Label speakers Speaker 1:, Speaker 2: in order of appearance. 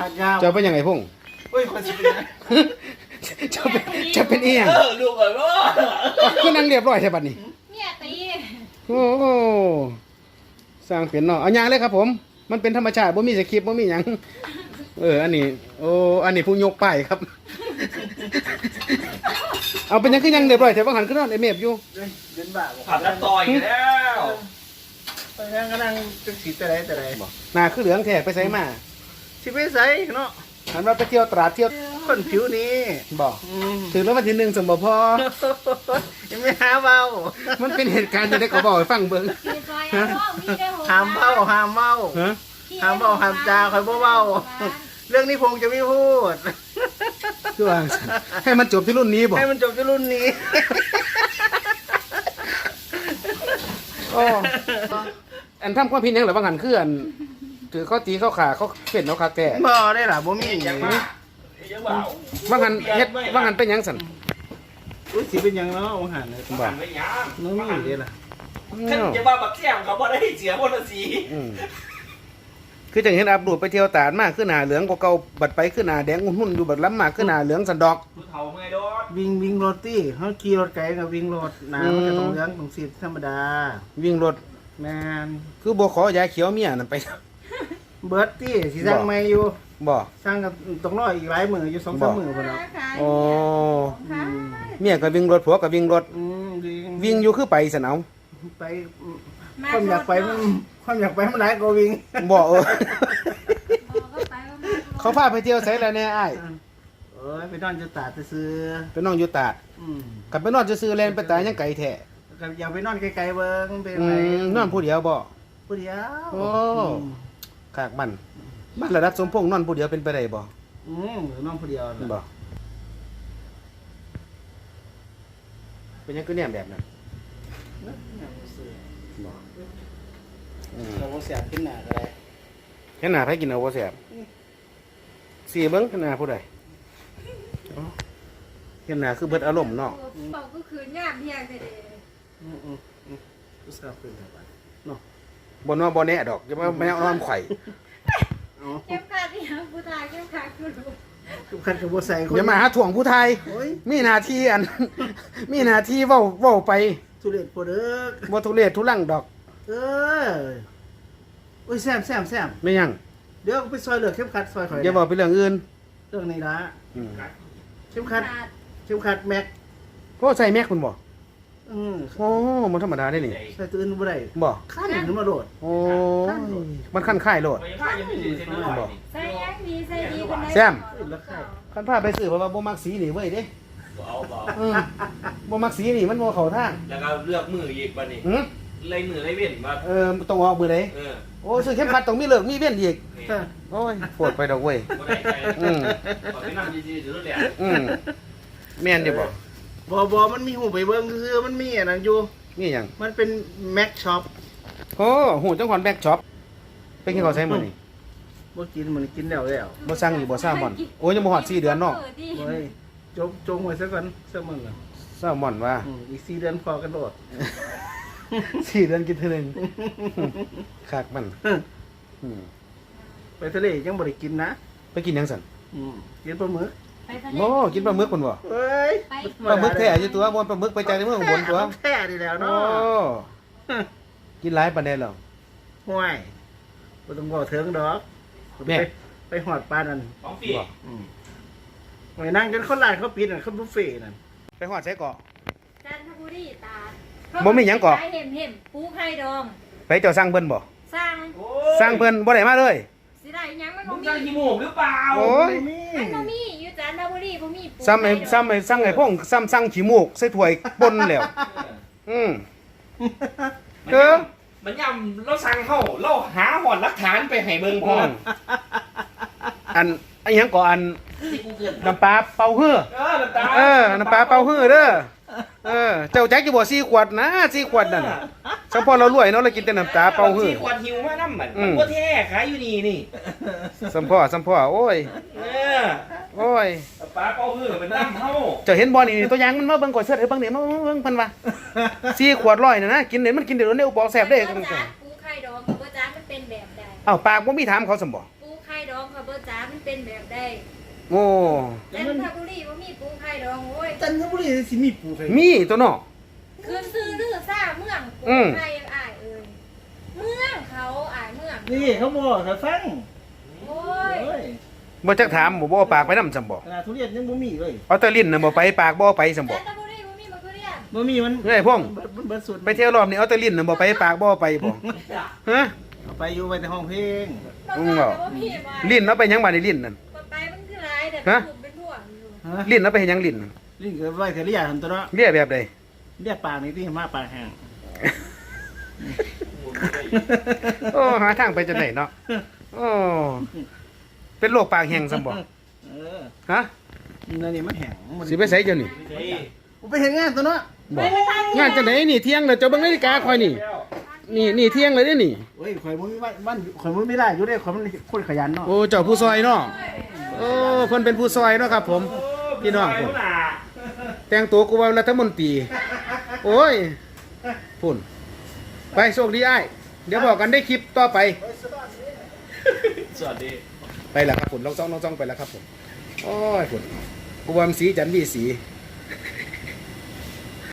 Speaker 1: ขาดยาว
Speaker 2: จะเป็นยังไงพุ่ง
Speaker 1: เฮ้ยคนสิเป็น
Speaker 2: จะเป็นเอียง
Speaker 3: ลูกเอ๋ยว่า
Speaker 2: คือนั่งเรียบร้อยใช่บัดนี้
Speaker 4: เนี่ยตี
Speaker 2: โอ้สร้างเป็นเนาะเอายางเลยครับผมมันเป็นธรรมชาติบ่มีสคริปต์บ่มีหยังอันนี้อันนี้ผู้ยกป้ายครับ เอาเป็นยังคือยังเรียบร้อยแต่ว่าหันขึ้นนอนไอเมฟอยู่
Speaker 1: เดินบ้า
Speaker 3: ขับแล้วต่อยแล้ว
Speaker 1: ตอนนั้นกำลังจะสีแต่ไร
Speaker 2: หน้าคือเหลืองแท้ไปใส่มา
Speaker 1: สิไปใส่เนาะ
Speaker 2: หันว่าไปเที่ยวตราดเที่ยว
Speaker 1: คนผิวนี้
Speaker 2: บอกถึงแล้ววันที่1สมบ่พอ
Speaker 1: ยังไม่หาเบา
Speaker 2: มันเป็นเหตุการณ์จะได้ก็บอกให้ฟังเบิ่ง
Speaker 4: มีซอยอ่ะมีได้หัว
Speaker 1: ห้ามเบาห้ามเบา
Speaker 2: ฮะ
Speaker 1: ห้ามเบาห้ามจาคอยเบาเรื่องนี้พงจะไม่พูด
Speaker 2: คือว่าให้มันจบที่รุ่นนี้บ่
Speaker 1: ให้มันจบที่รุ่นนี้
Speaker 2: อันทำความผิดหยังหรือว่าหันคืออันถือเขาตีเขาขาเขาเปลี่ยนเขาขาแก่
Speaker 1: บ่ได้ล่ะบ่มี
Speaker 3: ยังมายังเบา
Speaker 2: ว่าหันเฮ็ดว่าหันเป็นหยังสั่น
Speaker 1: อุ้ยสิเป็นยังเนาะองหันเลย
Speaker 3: บ้านไม่ยัง
Speaker 1: น้องมีได้ล่ะ
Speaker 3: ขึ้นจะมาบักแก้มเขาบ่ได้เสียคนละสี
Speaker 2: คือจังเห็นอับดูดไปเที่ยวตาดมากขึ้นหน้าเหลืองกว่าเก่าบัดไปขึ้นหน้าแดงหุ่นอยู่บัดล้ำมากขึ้นหน้าเหลืองสันดอก
Speaker 3: ผู้เฒ่าไงโดน
Speaker 1: วิ่งรถตี้เขาขี่รถไกลกับวิ่งรถหนามันก็ต้องเลี้ยงต้องสิธรรมดา
Speaker 2: วิ่งรถ
Speaker 1: แมน
Speaker 2: คือบ่ขอยาเขียวเมียนั่นไป
Speaker 1: เบิร์ตตี้สิสร้างไม่อยู่
Speaker 2: บ่
Speaker 1: สร้างกับต้องรออีกหลายมืออยู่2-3มือพุ่นเนาะ
Speaker 2: โอ้เมียก็วิ่งรถผัวก็วิ่งรถ วิ่งอยู่คือไปสนเอา
Speaker 1: ไปความอยากไปมันหลายกว่าวิ่ง
Speaker 2: บ่
Speaker 4: ก็ไป
Speaker 2: เขาพาไปเที่ยวไสแล้วแน่อ้าย
Speaker 1: เอ้ยไปนอนจะตาดซื้อ
Speaker 2: ไปนอนอยู่ตาดกลับไปนอนซื่อๆแลนไปตายยังไกลแท้
Speaker 1: ก็อย่าไปนอนไกลๆเบิ่งเป็นไร
Speaker 2: นอนผู้เดียวบ่
Speaker 1: ผู้เดียว
Speaker 2: โอ้ขากบ้านระดับสมพงษ์นอนผู้เดียวเป็นไปได้บ่
Speaker 1: นอนผู้เดียว
Speaker 2: บ่เป็นหยังคือแนมแบบนั้นบ่
Speaker 1: เราเสียบขึ้นหน้าก็ได้
Speaker 2: แค่หน้าไผกินเอาบ่แซ่บสิเบิ่งแค่หน้าผู้ใดแค่หน้าคือเบิดอารมณ์เนาะ
Speaker 4: เป่าก็คืนงามเพียงแต่เด
Speaker 1: ผู้สาวขึ้นเท่าไหร่
Speaker 2: บ่นอนบ่แน่ดอกจะมาแมวนอนไข่
Speaker 4: เข้มขัดเนี่ยผู้ตายเข้มขัดคือรู้
Speaker 1: คือคันกับบัวใส่คน
Speaker 2: อย่ามาหาถ่วงผู้ไทย
Speaker 1: โอ้ย
Speaker 2: มีหน้าที่อัน มีหน้าที่เว้าไป
Speaker 1: ทุเรศโปรเด้อ
Speaker 2: บ่ทุเรศทุลังดอก
Speaker 1: เออโอ้ยแซม
Speaker 2: ไม่หยัง
Speaker 1: เดี๋ยวไปซอยเหลือเข้มขัดซอยข่อย
Speaker 2: อย่าบอกไปเรื่องอื่น
Speaker 1: เรื่องนี้ละ
Speaker 2: อืม
Speaker 1: เข้มขัดแม็ก
Speaker 2: ก็ใส่แม็กคุณบ่
Speaker 1: ใ
Speaker 2: โอ้มันธรรมดาได้นี่
Speaker 1: ส่ตัวอื่นบ่ได้
Speaker 2: บ่
Speaker 1: ขั้นขึ้นมาโดด
Speaker 2: โอ้มันขั้นค่ายโลด
Speaker 3: ไปผ้ายังไม่ถึงเส้นเลย
Speaker 4: ใส่ยังดีใส่ดีกันได้
Speaker 2: แซม
Speaker 1: แล้วค่าย
Speaker 2: คันพาไปซื้อเพราะว่าบ่มักสีนี่เว้ยเด้
Speaker 3: เอาเบา
Speaker 2: อืมบ่มักสีนี่มันบ่เข้าทาง
Speaker 3: แล้วก็เลือกมืออีกบัดนี้
Speaker 2: หือ
Speaker 3: เลยมือเลยเว้นมา
Speaker 2: ต้องออกมือใด โอ้ซื้อเข็มขัดต้องมีเลิกมีเว้นอีกโอ้ยโปวดไปดอกเว้ย
Speaker 3: บ่ได้ใจขอไปนั่งยืนๆอยู่นั่นแหละ
Speaker 2: อืมแม่นอยู่บ่
Speaker 1: บ่มันมีหูไปเบิ่งคือมันมีอันนั้นอยู่
Speaker 2: มีหยัง
Speaker 1: มันเป็นแม็กช็อป
Speaker 2: โอ้หูจังหวัดแบ็กช็อปไปกินข้าวไสมื้อนี้
Speaker 1: บ่กินมันกินแล้ว
Speaker 2: บ่สั่งอยู่บ่ซ่าม่อนโอ้ยยังบ่ฮอด4เดือนเนาะ
Speaker 1: โอ้ยจงไว้ซะก่อนซะมึงอ่ะ
Speaker 2: ซ่าม่อนว่า
Speaker 1: อีก4เดือนพอกันโดด
Speaker 2: 4เดือนกินเทื่อนึงคักมันอืม
Speaker 1: ไปทะเลยังบ่ได้กินนะ
Speaker 2: ไปกินหยังสั่น
Speaker 1: กินปลาหมึก
Speaker 2: โอ้กินปลาหมึกพุ่นบ่
Speaker 1: เฮ้ย
Speaker 2: ปลาหมึกแท้อยู่ตัวบ่ปลาหมึกไปจากในเมืองอุบลตัว
Speaker 1: แท้ดีแล้ว
Speaker 2: โอ้
Speaker 1: เนาะ
Speaker 2: กินหลายปานใดแล้ว
Speaker 1: ห่วยบ่ต้องบอกถึงดอก
Speaker 2: แม่
Speaker 1: ไปหอดปลานั่น
Speaker 3: ของปี
Speaker 1: ไปนั่งจนคนร้านเขาปิดนั่นเขาบุฟเฟ่นั่น
Speaker 2: ไปฮอดไสเกาะ
Speaker 4: จันทบุรีตา
Speaker 2: บ่มีหยังก่อ
Speaker 4: เห็มปูไข่ดอง
Speaker 2: ไปเจ้าสั่งเพิ่นบ่
Speaker 4: สร้าง
Speaker 2: สั่งเพิ่นบ่ได้มาเลย
Speaker 4: สิได้ยังมัน
Speaker 3: มึ
Speaker 4: บ่
Speaker 3: ง
Speaker 4: มี
Speaker 3: จะขี้มูกหรือเปล่า
Speaker 2: โอ้ย
Speaker 4: มันบ่มีอยู่จันทบุรีบ่มีปู
Speaker 2: ซ้ำให้สั่งให้พ่งซ้ำสั่งขี้มูกใส่ถ้วยป่นแล้วอืม
Speaker 3: มันย่ำเราสั่งเข้าเราหาหอดหลักฐานไปให้เบิ่งพอ
Speaker 2: อันหยังก่ออัน
Speaker 3: ที่กูเกิน
Speaker 2: น้ำปลาเป่าฮื้อ
Speaker 3: น้ำตา
Speaker 2: น้ำปลาเป่าฮื้อเด้อเจ้าแจ็คอยู่บ่4 ขวดนะ4 ขวดนั่นสังพอเรารวยเนาะเรากินแต่น้ำตาเป่าฮื้อ
Speaker 3: ที่ขวดหิวมาน้ำมันก็แท้ขายอยู่นี่
Speaker 2: สัมพ่อโอ้ย โอ้ย
Speaker 3: ปลาเป้าหื้อเป็นน้ำเฮา
Speaker 2: เจ้าเห็นบ่นี่ตัวอย่างมันมาเบิ่งก่อนเสิร์ชให้เบิ่งนี่มาเบิ่งเพิ่นว่า4 ขวด100น่ะนะกินเดี๋ยวมันกินเดี๋ยวเนี่ยบอกแซ่บเด้
Speaker 4: ปูไข่ดองกับว่าจันมันเป็นแบบใด
Speaker 2: อ้าวปากบ่มีถามเขาซั่นบ่
Speaker 4: ปูไข่ดองกับเบอร์จ๋ามันเป็นแบบใด
Speaker 2: โอ้
Speaker 4: จันทบุรีว่ามีปูไข่ดองโอ้ย
Speaker 1: จันทบุรีสิมีปูไข่
Speaker 2: มีตัวเนาะ
Speaker 4: คืนซื้อลือซ่าเมืองปู
Speaker 2: อืม
Speaker 4: ไข่อ้ายเอ้ยเมืองเขาอ้ายเมือง
Speaker 1: นี่เขาบอกเขาฟัง
Speaker 4: โอ้ย
Speaker 1: เอ้ย
Speaker 2: บ่จักถามบ่เอาปากไปนำซำบ่
Speaker 1: ขนาดทุเรียนยังบ่มีเลย
Speaker 2: เอาแต่ลิ้นน่ะบ่ไปปากบ่ไปซำบ่
Speaker 4: จันทบุรีว่ามีมะเขือเทศ
Speaker 1: บ่มีมัน
Speaker 2: เฮ้ยพ่อง
Speaker 1: เบิดสุด
Speaker 2: ไปเที่ยวรอบนี้เอาแต่ลิ้นน่ะบ่ไปปากบ่ไปบ่ฮะ
Speaker 1: เอาไปอยู่ไปในห้องเพลง
Speaker 4: มะเขือเทศว่ามีว่า
Speaker 2: ลิ้นเอาไปหยังบัดนี้ลิ้นนั่น
Speaker 4: ไปมันคือหลายแต่
Speaker 2: ฮะ
Speaker 4: ถูกเป็นพวกอยู่
Speaker 1: ฮะ
Speaker 2: ลิ้นเอาไปเฮ็ดหยังลิ้นนั่น
Speaker 1: ลิ้นก็ไว้เทเรียหั่นตัวเนาะ
Speaker 2: เรียกแบบใด
Speaker 1: เรียกปากนี่ที่มาปากแห้ง
Speaker 2: โอ้หาทางไปจังได๋เนาะโอ้เป็นโรคปากแห้งซำบ่
Speaker 1: เออ
Speaker 2: ฮะ
Speaker 1: นั่นนี่มันแห้งมัน
Speaker 2: สิไปไสเจ้านี่
Speaker 1: ผมไปเห็นงานตัวเนาะ
Speaker 2: บ่งานจังได๋นี่เที่ยงแล้วเจ้าเบิ่งนาฬิกาข่อยนี่นี่เที่ยงเลยเด้อนี่
Speaker 1: เฮ้ยข่อยบ่มีบ้านข่อยบ่มีได้อยู่เด้ข่อยมันคนขยันเนาะ
Speaker 2: โอ้เจ้าผู้ซอยเนาะโอ้เพิ่นเป็นผู้ซอยเนาะครับ ผมพี่น้องผมแต่งตัวกูว่ารัฐมนตรีโอ้ยพุ่นไปโชคดีอ้ายเดี๋ยวบอกกันได้คลิปต่อไป
Speaker 3: สวัสดี
Speaker 2: ไปแล้วครับผมลองจ้องไปแล้วครับผมโอ้ยพุ่นกูว่ามันสีจันทร์วีสี